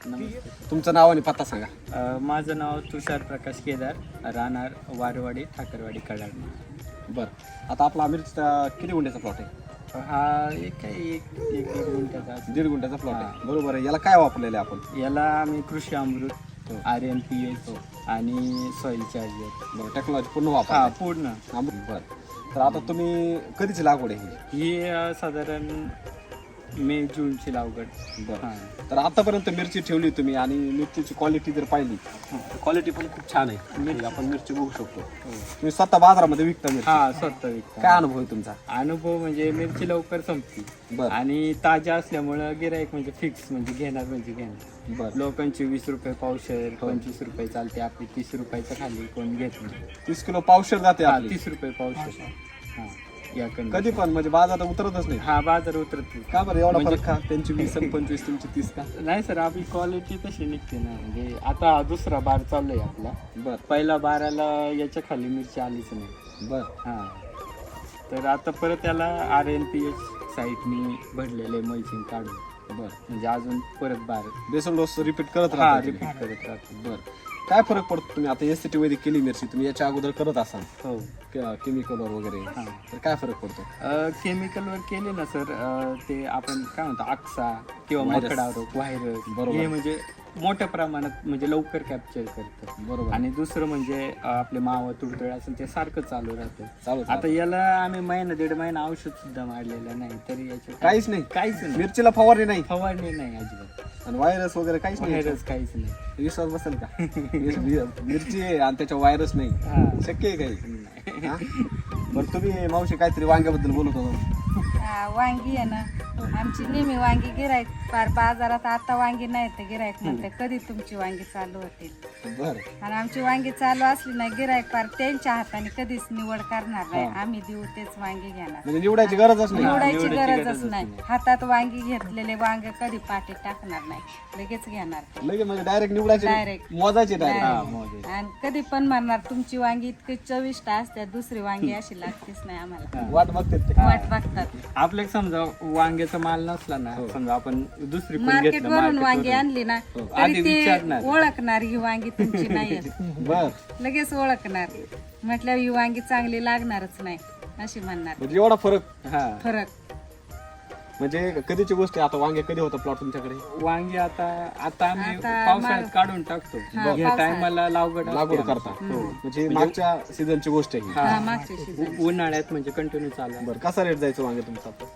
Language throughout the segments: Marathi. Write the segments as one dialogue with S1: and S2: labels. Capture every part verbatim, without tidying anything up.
S1: नमस्ते.
S2: तुमचं नाव आणि पत्ता सांगा.
S1: अ, माझं नाव तुषार प्रकाश केदार, राहणार वारवाडी ठाकरवाडी कडाड.
S2: बरं, आता आपला मिरचीचा किती गुंठ्याचा प्लॉट आहे?
S1: हा एक काही एक एक दीड गुंठ्याचा असेल.
S2: दीड गुंठ्याचा प्लॉट आहे, बरोबर आहे. याला काय वापरलेलं आहे आपण?
S1: याला आम्ही Krishi Amrut, R N P H आणि सॉइल चार्जर.
S2: बरं, टेक्नॉलॉजी पूर्ण
S1: हा
S2: वापर.
S1: पूर्ण.
S2: बरं, तर आता तुम्ही कधीची लागवड आहे ही?
S1: ही अ, साधारण मे जूनची लागवड.
S2: बरं,
S1: हां.
S2: तर आतापर्यंत मिरची ठेवली तुम्ही आणि मिरचीची क्वालिटी जर पाहिली तर क्वालिटी पण खूप छान आहे. मिरची आपण मिरची बघू शकतो. तुम्ही स्वतः बाजारामध्ये विकता मिरची,
S1: हा स्वतः विकता.
S2: काय अनुभव आहे तुमचा?
S1: अनुभव म्हणजे मिरची लवकर संपती
S2: बरं
S1: आणि ताज्या असल्यामुळं गिराईक म्हणजे फिक्स म्हणजे घेणार म्हणजे घेणार.
S2: बरं,
S1: लोकांची वीस रुपये पावशेर, पंचवीस रुपये चालते, आपली तीस रुपयाच्या खाली कोण घेत नाही.
S2: तीस किलो पावशेर जाते
S1: हा,
S2: आपली.
S1: तीस रुपये पावशेर. हा या कंडी.
S2: कधी पण म्हणजे बाजारात उतरतच नाही.
S1: हा बाजार उतरत
S2: का बरं एवढा
S1: म्हणजे-
S2: फरक का? त्यांची वीस आणि पंचवीस, तुमची तीस का?
S1: नाही सर, आपली क्वालिटी तशी निघते ना. म्हणजे आता हा दुसरा बार चालू आहे आपला.
S2: बरं
S1: पहिला बाराला याच्या खाली मिरची आलीच नाही.
S2: बरं,
S1: हा तर आता परत त्याला आर एन पी एच साईटनी भरलेले मल्चिंग काढून
S2: बरं.
S1: म्हणजे अजून परत बार
S2: बेसल डोस रिपीट करत
S1: हा
S2: राहता
S1: रिपीट
S2: तुम्ही.
S1: करत राहतो.
S2: बरं, काय फरक पडतो? तुम्ही आता एस सी टी वैदिक केली मिरची, तुम्ही याच्या अगोदर करत असाल
S1: हो.
S2: केमिकलवर वगैरे,
S1: हा.
S2: तर काय फरक पडतो?
S1: केमिकलवर केले ना सर, अ, ते आपण काय म्हणतो आक्सा किंवा
S2: Virus.
S1: मकडा रोग, व्हायरस,
S2: बरोबर.
S1: हे म्हणजे मोठ्या प्रमाणात म्हणजे लवकर कॅप्चर करतं.
S2: बरोबर.
S1: आणि दुसरं म्हणजे अ, आपले मावा तुडतुळे असेल ते सारखं चालू राहतं.
S2: चालू
S1: आता याला आम्ही महिना दीड महिना औषध सुद्धा मारलेलं नाही तरी याचे
S2: काहीच नाही.
S1: काहीच नाही.
S2: मिरचीला फवारणी नाही
S1: फवारणी नाही अजिबात.
S2: आणि व्हायरस वगैरे काहीच नाही.
S1: व्हायरस काहीच नाही.
S2: विश्वास बसेल का? मिर- मिरची आहे आणि त्याच्या व्हायरस नाही,
S1: हा.
S2: शक्य आहे काही?
S1: नाही.
S2: हा? बरं, तुम्ही मावशी काहीतरी वांग्याबद्दल बोलत होता.
S3: हा, वांगी आहे ना, आमची नेहमी वांगी गिरायक फार बाजारात आता वांगी नाही तर गिरायक म्हणते कधी तुमची वांगी चालू होतील.
S2: बरं,
S3: आणि आमची वांगी चालू असली ना गिरायक फार त्यांच्या हाताने कधीच निवड करणार नाही.
S2: हा.
S3: आम्ही देऊ तेच वांगी घेणार.
S2: म्हणजे निवडायची गरजच नाही.
S3: निवडायची
S1: निवडायची
S3: गरजच
S1: गरजच
S3: नाही.
S1: नाही.
S3: हातात वांगी घेतलेले वांग कधी पाठी टाकणार नाही, लगेच घेणार.
S2: लगेच म्हणजे डायरेक्ट निवडायचे,
S3: Direct.
S2: मोजायचे
S1: हा,
S2: डायरेक्ट.
S1: मोजे.
S3: आणि कधी पण म्हणणार तुमची वांगी इतकी चविष्ट असते, दुसरी वांगी अशी लागतेच नाही आम्हाला.
S2: वाट बघते ते.
S3: वाट बघतात.
S1: आपल्या समजा वांग्याचा माल नसला ना, समजा आपण दुसरी
S3: मार्केट वरून वांगी आणली ना
S1: आधी
S3: तरी ते
S1: विचारणार.
S3: ओळखणार ही वांगी तुमची नाही.
S2: बर,
S3: लगेच ओळखणार. म्हटल्यावर ही वांगी चांगली लागणारच नाही अशी म्हणणार.
S2: म्हणजे एवढा फरक.
S1: हा
S3: फरक
S2: म्हणजे कधीची गोष्ट आहे? आता वांगे कधी होता प्लॉट तुमच्याकडे?
S1: वांगी आता आता आम्ही
S3: आता
S1: पावसाळ्यात
S3: माग-
S1: काढून टाकतो.
S3: हा,
S1: या
S3: पावसाळ्यात.
S1: टायमाला लागवड
S2: लागवड
S1: असते
S2: करता.
S1: आमची. हो.
S2: म्हणजे मागच्या सीझनची गोष्ट आहे ही.
S1: हा.
S3: हा, मागच्या season.
S1: उ- उन्हाळ्यात म्हणजे कंटिन्यू चालू आहे.
S2: बरं, कसा रेट जायचं वांगे तुमचा आता?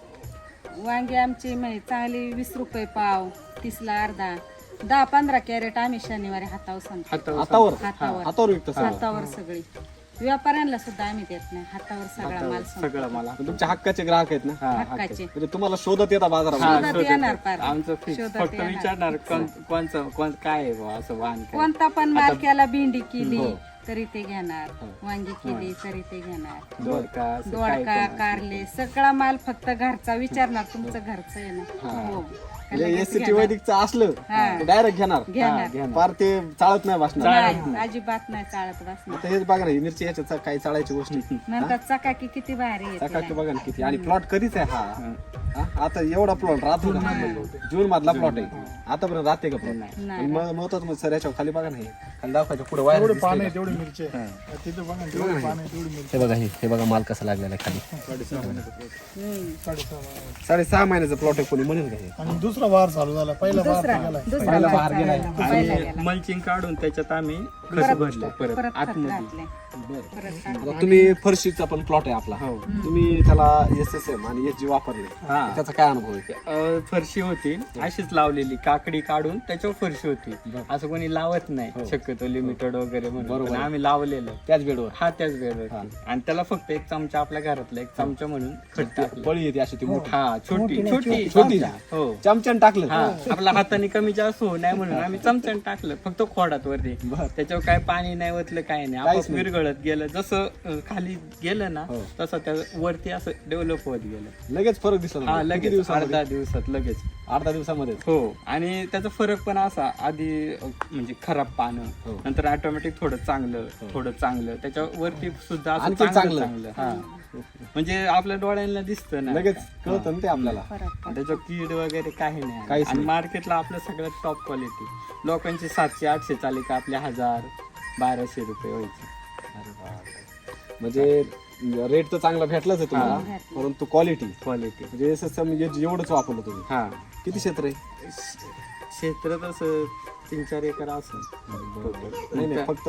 S3: वांगी आमची म्हणजे चांगली वीस रुपये पाव, तीसला अर्धा, दहा पंधरा कॅरेट आम्ही शनिवारी हातावर सांगतो.
S1: हातावर
S2: हातावर
S3: हातावर
S2: हातावर विकता सगळं?
S3: हातावर सगळी. व्यापाऱ्यांना सुद्धा आम्ही देत नाही, हातावर सगळा माल सांगतो.
S1: सगळं मला
S2: पण तुमच्या हक्काचे ग्राहक आहेत ना?
S1: हा,
S3: हक्काचे.
S2: म्हणजे तुम्हाला शोधत येतात
S1: हा,
S2: बाजारामध्ये?
S3: शोधत
S1: शोधत
S3: येणार पार.
S1: आमचं fix.
S3: शोधत
S1: फक्त
S3: येणार.
S1: विचारणार कोण- कोणचं कोण काय आहे बुवा असं वाहन काय.
S3: कोणता पण माल केला, भेंडी केली
S2: हो.
S3: तरी ते घेणार, वांगी केली तरी ते घेणार,
S1: दोडका असं काय
S3: दोडका,
S1: पण.
S3: कारले, सगळा माल फक्त घरचा विचारणार. तुमचं घरचं आहे ना? हो.
S2: म्हणजे
S3: लगेच
S2: एस सी टी
S3: घेणार.
S2: वैदिकचं असलं
S3: हा.
S2: डायरेक्ट घेणार,
S3: घेणार.
S1: घेणार.
S2: फार ते चालत नाही बसणार.
S3: नाही, अजिबात नाही चालत बसणार.
S2: आता हेच बघा ना, ही मिरची ह्याच्यात काही चाळायची गोष्टी.
S3: नंतर चकाकी किती भारी येते.
S2: सकाळी बघा ना किती. आणि प्लॉट कधीच आहे हा? हा? आता एवढा प्लॉट राहतो का? जून मधला प्लॉट आहे. आतापर्यंत राहते का प्लॉट?
S3: नाही.
S2: महत्वाचं मग सर याच्यावर खाली बघा ना, हे खाली दाखवायचं पुढे वायर दिसतंय का?
S4: तेवढी मिरची आहे. तिथं बघा ना, तेवढी पानं आहे, तेवढी मिरची.
S2: हे बघा, हे हे बघा माल कसा लागलेला आहे खाली.
S4: साडेसहा महिन्याचं plot.
S3: हम्म.
S4: साडेसहा महिने.
S2: साडेसहा महिन्याचा प्लॉट आहे, कोणी म्हणेल का हे?
S4: आणि दुसरा वार चालू झाला, पहिला वार
S3: दुसरा
S4: गेलाय.
S3: दुसरा
S2: पहिला
S3: भाग
S2: बहार गेलाय.
S3: चालला. पहिला
S1: आणि
S3: गेला.
S1: मल्चिंग काढून त्याच्यात आम्ही खत
S3: परत-
S1: भरलं परत
S3: परत खत
S1: आतमध्ये.
S3: घातले.
S2: बरं.
S3: परत खत.
S2: आता तुम्ही फरशीचा पण प्लॉट आहे आपला,
S1: हो.
S2: तुम्ही त्याला एस एस एम आणि एस जी वापरले,
S1: हा.
S2: त्याचा काय अनुभव आहे?
S1: अ, फरशी होती अशीच लावलेली, काकडी काढून त्याच्यावर फरशी होती. असं कोणी लावत नाही शक्यतो, लिमिटेड वगैरे म्हणून.
S2: बरोबर.
S1: पण आम्ही लावलेलं
S2: त्याच बेडवर
S1: हा त्याच वेळेवर. आणि त्याला फक्त एक चमचा आपल्या घरातला एक चमचा म्हणून खत टाकलं.
S2: पळी येते अशी ती मोठी
S1: हा छोटी छोटी
S2: छोटी
S1: हो
S2: चमच्यान टाकलं.
S1: हा आपल्या हाताने कमी जास्त होऊ नये म्हणून आम्ही चमच्याने टाकलं फक्त खोडात वरती.
S2: बरं.
S1: त्याच्यावर काय पाणी नाही ओतलं, काय नाही,
S2: काहीच
S1: आपोआप
S2: नाही.
S1: विरघळत गेलं. जसं अ, खाली गेलं ना
S2: हो.
S1: तसं त्या वरती असं डेव्हलप होत गेलं.
S2: लगेच फरक दिसला.
S1: हा
S2: किती
S1: लगेच
S2: दिवसामध्ये?
S1: अर्धा दिवसात लगेच.
S2: अर्धा दिवसामध्ये.
S1: हो. आणि त्याचा फरक पण असा, आधी अ, म्हणजे खराब पानं,
S2: हो.
S1: नंतर ऑटोमॅटिक थोडं चांगलं थोडं चांगलं, त्याच्या वरती सुद्धा असं
S2: आणखी
S1: चांगलं
S2: चांगलं.
S1: चांगलं. हा म्हणजे आपल्या डोळ्यांना दिसतं ना
S2: लगेच कळतं ना ते आपल्याला.
S3: फरक पडतो.
S1: त्याचं कीड वगैरे काही नाही
S2: काहीच
S1: आणि
S2: नाही.
S1: मार्केटला आपलं सगळ्यात टॉप क्वालिटी. लोकांची सातशे आठशे चाली का आपले हजार बाराशे रुपये व्हायचे.
S2: म्हणजे रेट तर चांगला भेटलाच आहे तुम्हाला,
S3: हा.
S2: परंतु क्वालिटी
S1: क्वालिटी.
S2: म्हणजे एस एस म्हणजे एवढंच वापरलं तुम्ही.
S1: हा
S2: किती क्षेत्र आहे?
S1: क्षेत्र तसं तीन चार एकर असं.
S2: नाही नाही फक्त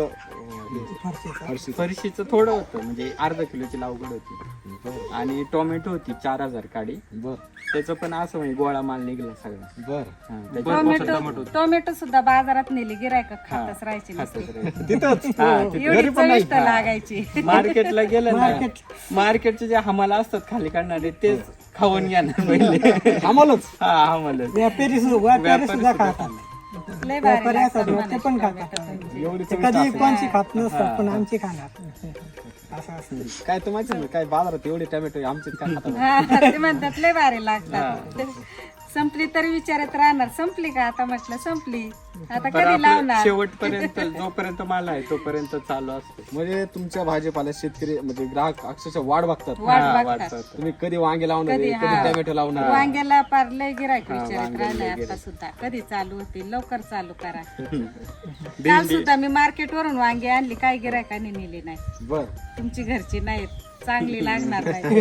S2: फरशी.
S1: फरशीचं थोडं होतं म्हणजे अर्धा किलोची लागवड होती आणि टोमॅटो होती चार हजार काडी.
S2: बर
S1: त्याचं पण असं म्हणजे गोळा माल निघला सगळा.
S2: बर
S1: हा, त्याच्यात
S3: टोमॅटो टोमॅटो सुद्धा बाजारात नेली गिरायक खातच राहायची
S1: खातच
S3: नुसती.
S1: राहायचं.
S2: तिथंच
S1: हा, तिथं.
S3: एवढी चविष्ट लागायची.
S1: मार्केटला गेलं ना मार्केटचे जे हमाला असतात खाली काढणारे तेच खाऊन घेणार पहिले.
S2: आम्हालाच
S1: हा हमाला
S5: व्यापारी सुद्धा व्यापारी सुद्धा खातात.
S3: लय भारी
S5: व्यापारी
S3: लागतात
S5: असतात ना, ते पण
S3: म्हणायचे
S5: खातात.
S3: टोमॅटो तुमचे.
S2: एवढी
S5: ते
S2: चविष्ट
S5: कधी
S2: असेल.
S5: कोणची खात नसतात पण आमची खाणार असं असतं.
S2: काय तर माहिती नाही काय बाजारात एवढे टॅमॅटो आमचे काय खातात.
S3: हा, ते म्हणतात लय भारी लागतात. ते संपली तरी विचारत राहणार संपली का, आता म्हटलं संपली आता
S1: पण
S3: कधी
S1: आपलं
S3: लावणार.
S1: शेवटपर्यंत जोपर्यंत माल आहे तोपर्यंत चालू असतो.
S2: म्हणजे तुमच्या भाजीपाल्यात शेतकरी म्हणजे ग्राहक अक्षरशः वाट बघतात.
S3: वाट
S1: हा,
S3: बघतात.
S1: वाटतं.
S2: तुम्ही कधी वांगे लावणार
S3: कधी
S2: आहे, कधी
S3: हा.
S2: टॅमॅटो लावणार आहे.
S3: वांग्याला पार लय गिरायक
S1: हा,
S3: विचारत
S1: वांग्याला
S3: राहिलंय
S1: लय
S3: आता
S1: गिऱ्हाईक.
S3: सुद्धा कधी चालू होतील लवकर चालू करा. काल
S1: भेंडी
S3: सुद्धा मी मार्केट वरून वांगी आणली, काही गिरायकांनी नेली नाही.
S2: बर
S3: तुमची घरची नाहीत, चांगली लागणार नाही.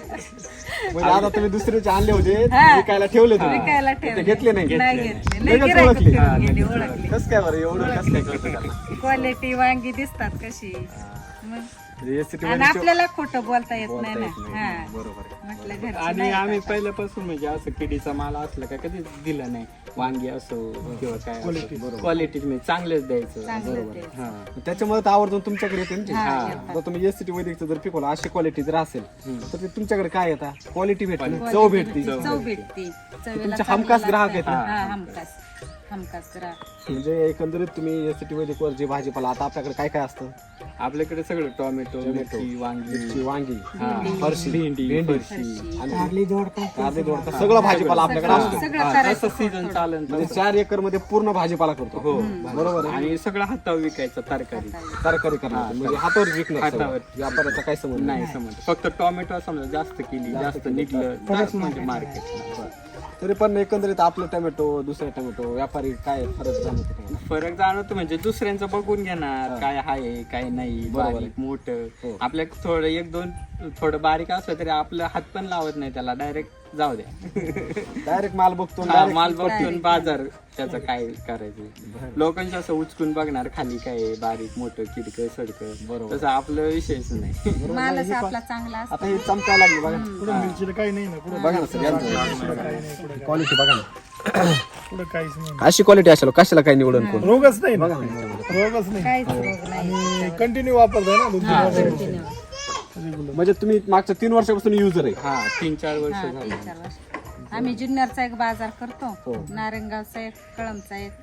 S2: म्हणजे आता तुम्ही दुसऱ्याचे आणले होते
S3: हा.
S2: विकायला ठेवले तुम्ही.
S3: विकायला
S2: ते
S3: ठेवले
S2: घेतले नाही.
S3: नाही घेतले. लय
S2: लगेच
S3: गिरायक
S2: ओळखली.
S3: फिरून गेली, ओळखली.
S2: कसं काय बरं एवढं कसं काय कळतं त्यांना?
S3: क्वालिटी वांगी दिसतात कशी मग.
S2: म्हणजे या city
S3: आणि
S2: मध्ये
S3: आपल्याला खोटं बोलता येत
S2: बोलता
S3: नाही ना.
S2: येत नाही.
S3: हा
S2: बरोबर आहे.
S3: म्हटलं घरची
S1: आणि
S3: नाही
S1: आम्ही
S3: का?
S1: पहिल्यापासून म्हणजे असं किडीचा माल असला का कधीच दिला नाही. वांगी असो किंवा काय क्वालिटी म्हणजे चांगलेच द्यायचं.
S3: चांगलं ते.
S1: हा
S2: त्याच्यामुळे तर आवर्जून तुमच्याकडे येते ना ते.
S3: हा,
S2: हा.
S3: येतात.
S2: आता तुम्ही एस सिटी वैदिकचं जर पिकवलं अशी क्वालिटी जर असेल तर ते तुमच्याकडे काय येतात क्वालिटी भेटते चव भेटते.
S3: चव भेटते. चवीला
S2: तुमचे
S3: चांगलं
S2: हमखास ग्राहक आहेत
S3: लागतं.
S2: ना.
S3: हा हमखास हमखास ग्राहक.
S2: म्हणजे एकंदरीत तुम्ही एस सिटी वैदिकवर जे भाजीपाला आता आपल्याकडे काय काय असतं
S1: आपल्याकडे सगळं टोमॅटो
S2: टोमॅटो,
S1: मिरची वांगी
S2: मिरची, वांगी
S1: हा,
S2: फरशी
S1: भेंडी
S2: भेंडी
S1: फरशी
S2: आणि
S5: कारली दोडका
S2: कारले दोडका सगळं भाजीपाला आपल्याकडे असतो.
S3: सगळं
S1: हा,
S3: करायचं
S1: जसं सीझन चालेल
S2: म्हणजे चार एकर मध्ये पूर्ण भाजीपाला करतो.
S1: हो
S2: बरोबर आहे.
S1: आणि सगळं हातावर विकायचं तरकारी
S2: तरकारी करणार म्हणजे हातावर विकणार सगळं.
S1: हातावर.
S2: व्यापाराचा काय संबंध
S1: नाही समज फक्त टोमॅटो समजा जास्त केली जास्त निघलं तरच म्हणजे मार्केट.
S2: तरी पण एकंदरीत आपलं टोमॅटो दुसरे टोमॅटो व्यापारी काय फरक जाणवतो तुम्हाला?
S1: फरक जाणवतो म्हणजे दुसऱ्यांचं बघून घेणार काय आहे काय नाही
S2: बरोबर
S1: बारीक मोठं.
S2: हो.
S1: आपल्या थोडं एक दोन थोडं बारीक असलं तरी आपलं हात पण लावत नाही त्याला, डायरेक्ट जाऊ द्या.
S2: डायरेक्ट माल बघतो
S1: हा,
S2: direct
S1: माल बघून बाजार त्याचं काय करायचं. लोकांचं असं उचकून बघणार खाली काय आहे, बारीक मोठं किडकं सडकं.
S2: बरोबर.
S1: तसं आपलं विषयच नाही.
S3: मालच आपला चांगला असतो.
S2: आता हे चमकायला लागले बघा.
S4: पुढे मिरचीला काही नाही ना पुढे
S2: बघा ना सर
S4: काही नाही पुढे
S2: क्वालिटी बघा ना.
S4: पुढे काहीच नाही
S2: अशी क्वालिटी असेल कशाला काय निवडून कोण.
S4: रोगच नाही ना रोगच नाही
S3: काहीच रोग नाही.
S4: आणि कंटिन्यू वापरताय ना दोन तीन वर्षापासून.
S2: म्हणजे तुम्ही मागच्या तीन वर्षापासून युजर आहे.
S1: हा तीन चार वर्ष
S3: हा,
S1: झाली.
S3: तीन चार वर्ष. आम्ही जुन्नरचा एक बाजार करतो,
S2: हो.
S3: नारंगावचा एक, कळमचा एक.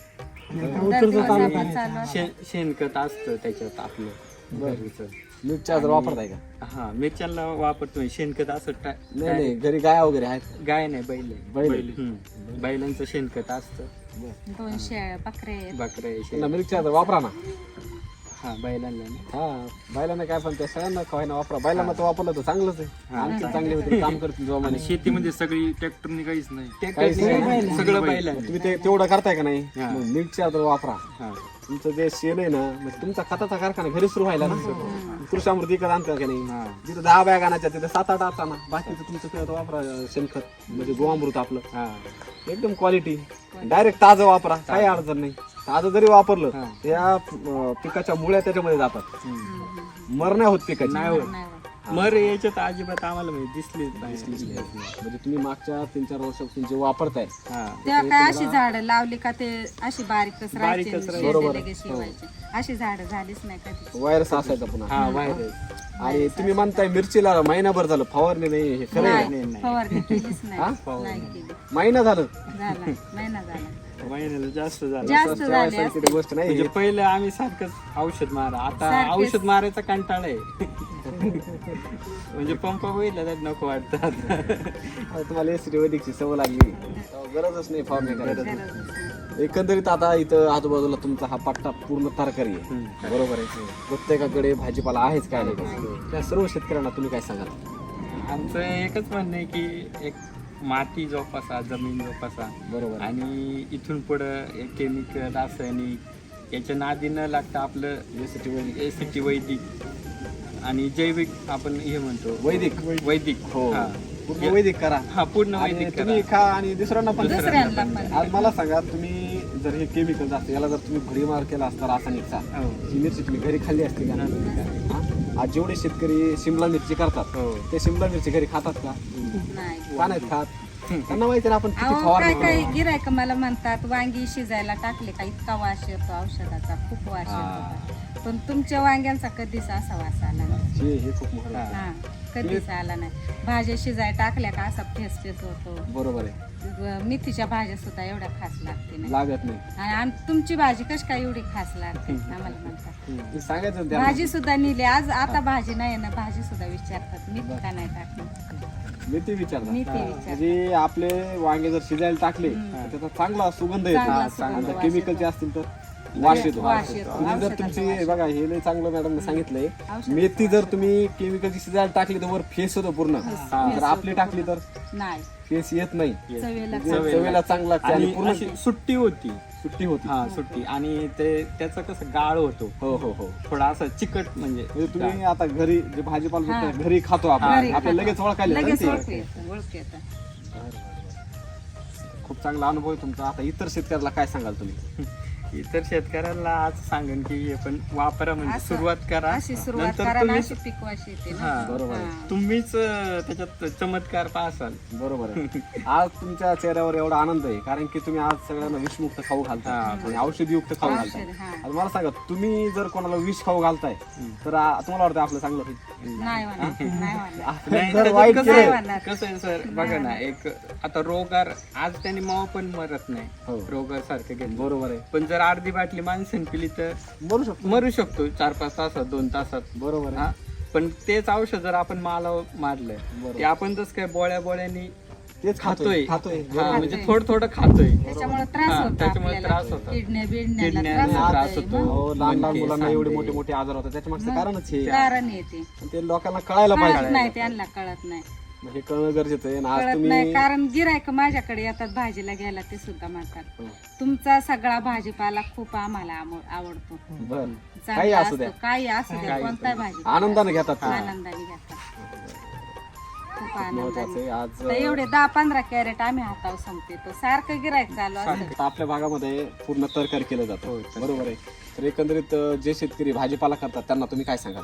S5: आता
S3: दर दिवस
S5: उतरचं
S3: आपलं
S5: चालू
S3: चालू असतं.
S1: शेण शेणखत असतं त्याच्यात आपलं घरीचं.
S2: मिल्क चार्जर वापरताय का?
S1: हा मिरच्यांना वापरतोय शेणखत असं टा-
S2: नाही नाही घरी गाय वगैरे आहेत.
S1: गाय नाही बैल आहे.
S2: बैल.
S1: बैल हम्म. बैलांचं शेणखत असतं.
S3: दोन शेळ्या बकरे आहेत.
S1: बकऱ्या आहे, शेण.
S2: त्यांना मिल्क चार्जर वापरा ना.
S1: हा बैलांना नाही.
S2: हा बैलांना काय पण त्या सगळ्यांना काय ना वापरा. बैलांना तर वापरलं तर चांगलंच आहे. आणखी चांगले होते काम करतील जोमाने.
S6: शेतीमध्ये सगळी ट्रॅक्टरनी काहीच नाही.
S1: ते
S2: काहीच
S1: काही
S2: नाही.
S1: नाही. सगळं बैल आहे.
S2: तुम्ही ते तेवढं करताय का नाही
S1: हा.
S2: मग मिल्क चार्जर वापरा.
S1: हा.
S2: तुमचं जे शेण आहे ना म्हणजे तुमचा खताचा कारखाना घरी सुरू व्हायला ना कृषी अमृत विकत आणता का नाही.
S1: हा.
S2: जिथं दहा बॅग आणायच्या तिथे सात आठ आणता ना बाकीचं तुमचं ते वापरा शेणखत म्हणजे गोअमृत आपलं
S1: हा.
S2: एकदम क्वालिटी डायरेक्ट ताजं वापरा काही अडचण नाही. ताजं जरी वापरलं
S1: हा.
S2: त्या अं, पिकाच्या मुळ्या त्याच्यामध्ये जातात
S1: हम्म.
S2: मर नाही होत पिकाची.
S1: नाही होत.
S3: नाही होत.
S1: मर याच्यात अजिबात आम्हाला म्हणजे दिसलीच नाही.
S2: म्हणजे तुम्ही मागच्या तीन चार वर्षापासून जे वापरताय
S1: हा.
S3: तेव्हा काय अशी झाडं लावली का ते अशी बारीकच राहायची,
S1: बारीकच
S3: शेंडे
S2: बरोबर.
S3: लगेच शिवायचे. अशी झाडं झालीच नाही कधी.
S2: व्हायरस असायचा पुन्हा.
S1: हा व्हायरस.
S2: आणि तुम्ही म्हणताय मिरचीला महिनाभर झालं फवारणी नाही हे खरं आहे?
S3: नाही,
S1: नाही.
S3: फवारणी केलीच नाही.
S2: हा?
S3: नाही केली.
S2: महिना झालं
S3: झाला महिना झाला.
S1: महिन्याला जास्त झालं.
S3: जास्त झाले
S2: ठेवायसारखी ती गोष्ट नाही.
S1: म्हणजे पहिलं आम्ही सारखंच औषध मारा, आता
S3: सारखेच.
S1: औषध मारायचा कंटाळा आहे. म्हणजे पंप बघितला तर नको वाटतं आता.
S2: आता तुम्हाला एसिडी वैदिकची सवय लागली गरजच नाही फवारणी करायची.
S3: गरजच नाही.
S2: एकंदरीत आता इथं आजूबाजूला तुमचा हा पट्टा पूर्ण तरकारी आहे, बरोबर आहे. प्रत्येकाकडे भाजीपाला आहेच काय नाही, त्या सर्व शेतकऱ्यांना तुम्ही काय सांगाल?
S1: आमचं एकच म्हणणं आहे की एक माती जोपासा, जमीन जोपासा,
S2: बरोबर आहे.
S1: आणि इथून पुढं केमिकल, रासायनिक याच्या नादी न लागता आपलं
S2: एसीटी वैदिक
S1: एसीटी वैदिक आणि जैविक आपण हे म्हणतो
S2: वैदिक
S1: वैदिक
S2: हो
S1: हा.
S2: पूर्ण वैदिक करा
S1: हा पूर्ण
S2: आणि
S1: वैदिक
S2: तुम्ही
S1: करा.
S2: खा आणि दुसऱ्यांना पण द्या.
S3: दुसऱ्यांना पण
S2: आज मला सांगा, तुम्ही जर हे केमिकल असतं याला जर तुम्ही भडीमार केला असता रासायनिकचा,
S1: हो.
S2: ही मिरची तुम्ही घरी खाल्ली असती का? हा? आज जेवढे शेतकरी शिमला मिरची करतात
S1: हो.
S2: ते शिमला मिरची घरी खातात का?
S3: नाही.
S2: का नाहीत खात? त्यांना माहिती ना आपण किती
S3: अहो काय
S2: फवारणी
S3: काय
S2: करतो.
S3: गिरायक मला म्हणतात वांगी शिजायला टाकले का इतका वास येतो औषधाचा, खूप वास येतो, पण तुमच्या वांग्यांचा कधीच असा वास आला नाही.
S2: हे हे खूप महत्त्वाचं आहे.
S3: हा कधीच आला नाही. भाज्या शिजाय टाकल्या का असा फेस फेस होतो.
S2: बरोबर आहे,
S3: व मेथीच्या भाज्या सुद्धा एवढ्या खास लागते नाही.
S2: लागत नाही.
S3: आणि आम- तुमची भाजी कशी काय एवढी खास लागते आम्हाला म्हणतात.
S2: ते सांगायचं ना त्यांना.
S3: भाजी सुद्धा नेली आज, आता भाजी नाही ना, भाजी सुद्धा विचारतात मी का नाही टाकली,
S2: मी ते विचारणार
S3: मी ते विचार
S2: म्हणजे आपले वांगे जर शिजायला टाकले तर त्याचा चांगला सुगंध येतो.
S3: चांगला सुगंध,
S2: आणि
S3: वास
S2: केमिकलचे असतील तर वास येतो.
S3: वास येतो.
S2: म्हणजे जर
S3: औषधाचा
S2: तुमची
S3: वास
S2: बघा हे लय चांगलं मॅडमने सांगितलंय,
S3: औषधाचा
S2: मेथी जर तुम्ही केमिकलची शिजायला टाकली तर वर फेस होतो पूर्ण, जर आपली टाकली तर
S3: नाही.
S2: फेस येत नाही.
S3: चवीला
S2: जे चवीला चांगलं लागते आणि
S1: आणि
S2: पूर्ण
S1: अशी सुट्टी होती.
S2: सुट्टी होती.
S1: हा सुट्टी, आणि ते त्याचं कसं गाळ होतो,
S2: हो हो हो
S1: थोडा असं चिकट म्हणजे
S2: म्हणजे तुम्ही आता घरी जे भाजीपाला
S3: हा.
S2: भेटतं, घरी खातो आपण,
S3: घरी
S2: आपल्याला
S3: खातो.
S2: लगेच ओळखायला येतं
S3: लगेच
S2: ना
S3: ओळखू
S2: ते.
S3: येतं, ओळखू येतं.
S2: खूप चांगला अनुभव आहे तुमचा. आता इतर शेतकऱ्याला काय सांगाल तुम्ही?
S1: इतर शेतकऱ्याला आज सांगेन की हे पण वापरा, म्हणजे
S3: असं-
S1: सुरुवात करा,
S3: अशी सुरुवात
S1: नंतर
S3: करा आणि
S1: तुम्हीच
S3: अशी पिकवाशी येते ना.
S1: हा,
S2: बरोबर आहे.
S3: हा.
S1: तुम्हीच अं, त्याच्यात चमत्कार पाहसाल.
S2: बरोबर आहे. आज तुमच्या चेहऱ्यावर एवढा आनंद आहे कारण की तुम्ही आज सगळ्यांना विषमुक्त खाऊ घालता
S1: हा.
S2: आणि औषधीयुक्त खाऊ घालताय.
S3: औषध, हा.
S2: आज मला सांगा, तुम्ही जर कोणाला विष खाऊ घालताय तर आ- तुम्हाला वाटतं आपलं चांगलं होईल?
S3: नाही होणार, नाही होणार.
S1: नाही,
S2: जर
S1: त्याच्यात
S2: वाईट
S1: कसं
S3: नाही
S1: आहे-
S3: होणार.
S1: कसं आहे सर, बघा ना, एक आता रोगार आज त्यांनी मावा पण मरत
S2: हो.
S1: नाही रोगार सारखं घेतलं,
S2: बरोबर आहे.
S1: पण जर अर्धी बाटली माणसाने पिली तर
S2: बरू शकतो.
S1: मरू शकतो चार पाच तासात, दोन तासात.
S2: बरोबर आहे.
S1: हा, पण तेच औषध जर आपण माला मारलंय
S2: बरोबर.
S1: ते आपण तसं काय बोळ्या बोळ्यानी
S2: तेच
S1: खातोय
S2: खातोय
S1: हा, म्हणजे थोडं थोडं खातोय.
S3: त्याच्यामुळे त्रास
S1: हा,
S3: होतो
S1: त्याच्यामुळे
S3: आपल्याला.
S1: त्रास होतो.
S3: किडण्या बिडण्याला
S1: किडण्याला
S3: त्रास
S1: त्रास
S3: होतोय.
S1: होतो.
S3: मग
S2: हो, लहान लहान
S1: मणके,
S2: मुलांना एवढे
S1: सांधे.
S2: मोठे मोठे आजार होतात, त्याच्या मागचं कारणच हे
S3: कारण येते,
S2: ते लोकांना कळायला
S3: कळत
S2: पाहिजे.
S3: नाही, त्यांना कळत नाही,
S2: मग हे कळणं गरजेचं आहे. आणि आज
S3: कळत
S2: तुम्ही
S3: नाही. कारण गिरायक माझ्याकडे येतात भाजीला घ्यायला, ते सुद्धा म्हणतात
S2: हो.
S3: तुमचा सगळा भाजीपाला खूप आम्हाला आम- आवडतो,
S2: बर काही
S3: चांगला
S2: असू द्या,
S3: असतो, काही असू द्या, कोणताही भाजी
S2: आनंदाने घेतात तुम्ही.
S3: आनंदाने घेतात, खूप
S2: महत्वाचं
S3: आनंदाने.
S2: आहे. आज
S3: तर एवढे दहा पंधरा कॅरेट आम्ही हातावर संपते, तो सारखं गिरायक चालू असतं.
S2: आता आपल्या भागामध्ये पूर्ण तरकारी केलं जातं, बरोबर आहे. तर एकंदरीत अं, जे शेतकरी भाजीपाला करतात त्यांना तुम्ही काय सांगाल?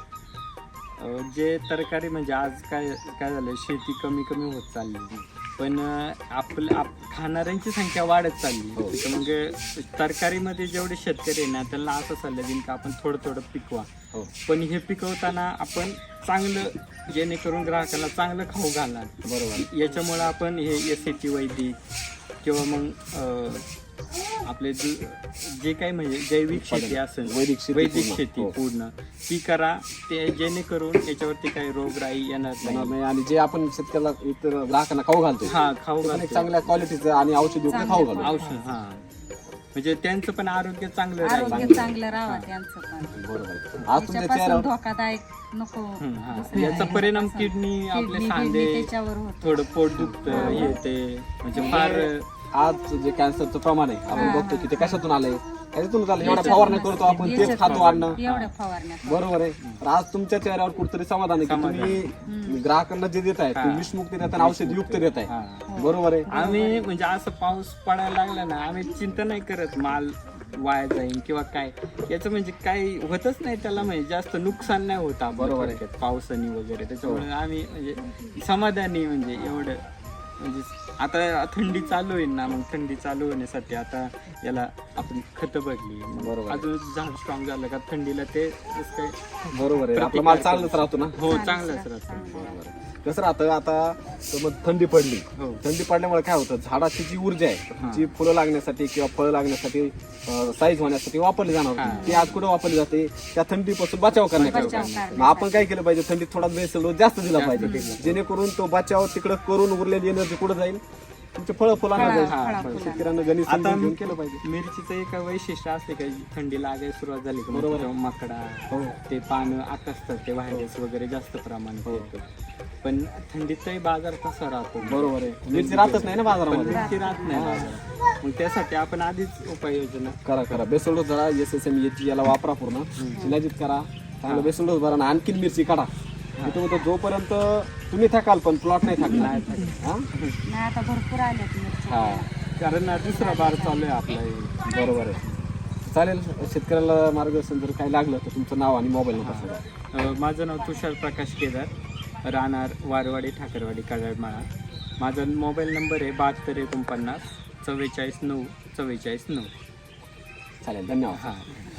S1: अं, जे तरकारी म्हणजे आज काय काय झालं, शेती कमी कमी होत चालली, पण अं, आपलं आप खाणाऱ्यांची संख्या वाढत चालली. तर मग तरकारीमध्ये जेवढे शेतकरी आहे ना, त्यांना असं सल्ला देईन की आपण थोडं थोडं पिकवा,
S2: हो.
S1: पण हे पिकवताना आपण चांगलं, जेणेकरून ग्राहकाला चांगलं खाऊ घालणार.
S2: बरोबर.
S1: याच्यामुळे आपण हे एस टी वैदिक किंवा मग अं, आपले जे जे काही म्हणजे जैविक शेती असेल,
S2: वैदिक शेती
S1: वैदिक
S2: पूर्ण.
S1: शेती
S2: हो.
S1: पूर्ण ती करा, ते जेणेकरून याच्यावरती काही रोगराई येणार
S2: येणार
S1: नाही.
S2: नाही. आणि जे आपण शेतकऱ्याला इतर ग्राहकांना खाऊ घालतो
S1: हा, खाऊ
S2: ते पण एक
S1: घालतो.
S2: चांगल्या क्वालिटीचं आणि औषधीयुक्त खाऊ घालतो.
S1: औषध, हा, म्हणजे त्यांचं पण आरोग्य चांगलं राहील.
S3: आरोग्य चांगलं राहावं त्यांचं पण,
S2: बरोबर आहे. आज तुमच्या
S3: त्याच्यापासून
S2: चेहऱ्यावर
S3: धोकादायक नको.
S1: हम्म, हा.
S3: दुसऱ्या
S1: याचा परिणाम
S3: ह्याच्यापासून.
S1: किडनी, आपले
S3: किडनी
S1: सांधे,
S3: बिडनी त्याच्यावर होतो.
S1: थोडं पोट दुखतं, हे ते म्हणजे फार
S2: आज जे कॅन्सरचं प्रमाण आहे आपण
S3: हा,
S2: बघतो की ते कशातून आलंय, त्याच्यातून आलं. एवढ्या
S3: याच्यातून
S2: फवारण्या करतो आपण, तेच
S3: याच्यातून.
S2: खातो अन्न,
S3: एवढ्या फवारण्या
S2: बरोबर आहे. तर आज तुमच्या चेहऱ्यावर कुठतरी समाधान आहे की तुम्ही ग्राहकांना जे देत आहे ते
S1: हा.
S2: विषमुक्त देत आणि औषधयुक्त देत आहे,
S1: हा.
S2: बरोबर आहे.
S1: आम्ही म्हणजे असं पाऊस पडायला लागला ना, आम्ही चिंता नाही करत माल वाया जाईल किंवा काय, याचं म्हणजे काही होतच नाही त्याला, म्हणजे जास्त नुकसान नाही होत
S2: बरोबर आहे.
S1: थोडक्यात पावसाने वगैरे. त्याच्यामुळे आम्ही म्हणजे समाधानी, म्हणजे एवढं म्हणजे आता थंडी चालू होईल ना, मग थंडी चालू होण्यासाठी आता याला आपण खतं भरली,
S2: बरोबर आहे.
S1: अजून झाड स्ट्रॉंग झालं का थंडीला ते जसं काही
S2: बरोबर आहे. आपला माल चांगलाच राहतो ना.
S1: हो, चांगलंच राहतं.
S2: बरोबर आहे. कसं राहतं आता, तर मग थंडी पडली,
S1: हो.
S2: थंडी पडल्यामुळे काय होतं, झाडाची जी ऊर्जा आहे जी फुलं लागण्यासाठी किंवा फळं लागण्यासाठी, साईज होण्यासाठी वापरली जाणार होती, ती आज कुठे वापरली जाते, त्या थंडीपासून बचाव
S3: बचाव
S2: करण्यासाठी.
S3: करण्यासाठी.
S2: मग आपण काय केलं पाहिजे, थंडीत थोडा बेसल डोस जास्त दिला पाहिजे, जेणेकरून तो बचाव तिकडे करून उरलेली एनर्जी कुठे जाईल, तुमचे फळं फुलांना
S3: फळं-
S2: जायचं.
S3: फळं-
S2: हा,
S3: फुलांना.
S2: शेतकऱ्यांना गणित
S1: आता
S2: समजून घेऊन केलं पाहिजे.
S1: मिरचीचं एक वैशिष्ट्य असते का थंडी लागायला सुरुवात झाली का
S2: बरोबर
S1: बरोबर मकडा
S2: हो.
S1: ते पानं आकसतात ते व्हायरस वगैरे जास्त प्रमाणात होतं पण थंडीतही बाजार कसा राहतो
S2: बरोबर आहे. मिरची राहतच नाही ना
S1: पण
S2: बाजारामध्ये.
S1: मिरची राहत नाही बाजारात मग त्यासाठी आपण आधीच उपाययोजना
S2: करा करा बेसल डोस जरा एस एस एम एची याला वापरा पूर्ण शिलाजीत करा चांगलं बेसल डोस भरा आणि आणखीन मिरची काढा. मी तर म्हणतो जोपर्यंत तुम्ही थकाल पण प्लॉट नाही थकणार. हा
S3: नाही आता भरपूर आलेत मिरची
S2: हा
S1: कारण हा दुसरा बार चालू आहे आपला हे.
S2: बरोबर आहे. चालेल शेतकऱ्याला मार्गदर्शन जर काही लागलं तर तुमचं नाव आणि मोबाईल नंबर सांगा.
S1: अ, माझं नाव तुषार प्रकाश केदार राहणार वारवाडी ठाकरवाडी काजळमाळा. माझा मोबाईल नंबर आहे बहात्तर एकोणपन्नास चव्वेचाळीस नऊ चव्वेचाळीस नऊ.
S2: चालेल धन्यवाद.
S1: हां